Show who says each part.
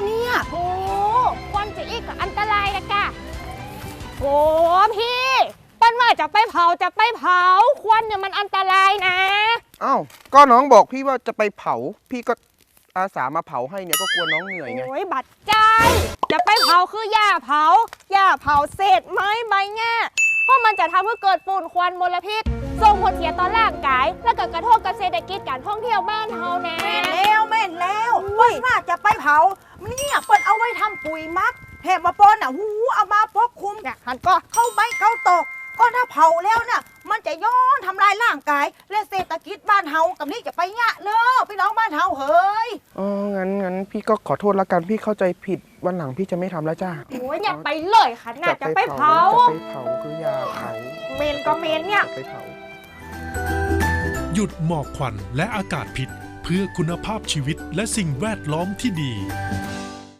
Speaker 1: เนี่ย
Speaker 2: โอ้ควันจะอีกกับอันตรายนะกะโอ้พี่ปั้นว่าจะไปเผาควันเนี่ยมันอันตรายนะ
Speaker 3: อ้าวก็น้องบอกพี่ว่าจะไปเผาพี่ก็อาสามาเผาให้เนี่ยก็กลัวน้องเหนื่อยไง
Speaker 2: โอ้ยบัดใจจะไปเผาคือหญ้าเผาเศษไม้ใบแง่เพราะมันจะทำให้เกิดฝุ่นควันมลพิษส่งผลเสียต่อร่างกายและก็กระทบกับเศรษฐกิจการท่องเที่ยวบ้านเฮาแน่
Speaker 1: แม่นแล้วว่าจะไปเผาเนี่ยเปิ้นเอาไว้ทำปุ๋ยมักแถมมาปนหูเอามาปกคลุม
Speaker 2: เนี่ยหันก็
Speaker 1: เข้าใบเข้าตกก็ถ้าเผาแล้วน่ะมันจะย้อนทำลายร่างกายและเศรษฐกิจบ้านเฮากับนี่จะไปยะเนอะพี่น้องบ้านเฮาเฮ้ย
Speaker 3: อ๋องั้นพี่ก็ขอโทษละกันพี่เข้าใจผิดวันหลังพี่จะไม่ทำแล้วจ้า
Speaker 2: โอ้ยอย่าไปเลยค่ะน่าจะไปเผา
Speaker 3: จะไปเผาคืออย่าเผา
Speaker 2: เมนก็เมนเนี่ย
Speaker 3: จะไปเผา
Speaker 4: หยุดหมอกควันและอากาศพิษเพื่อคุณภาพชีวิตและสิ่งแวดล้อมที่ดี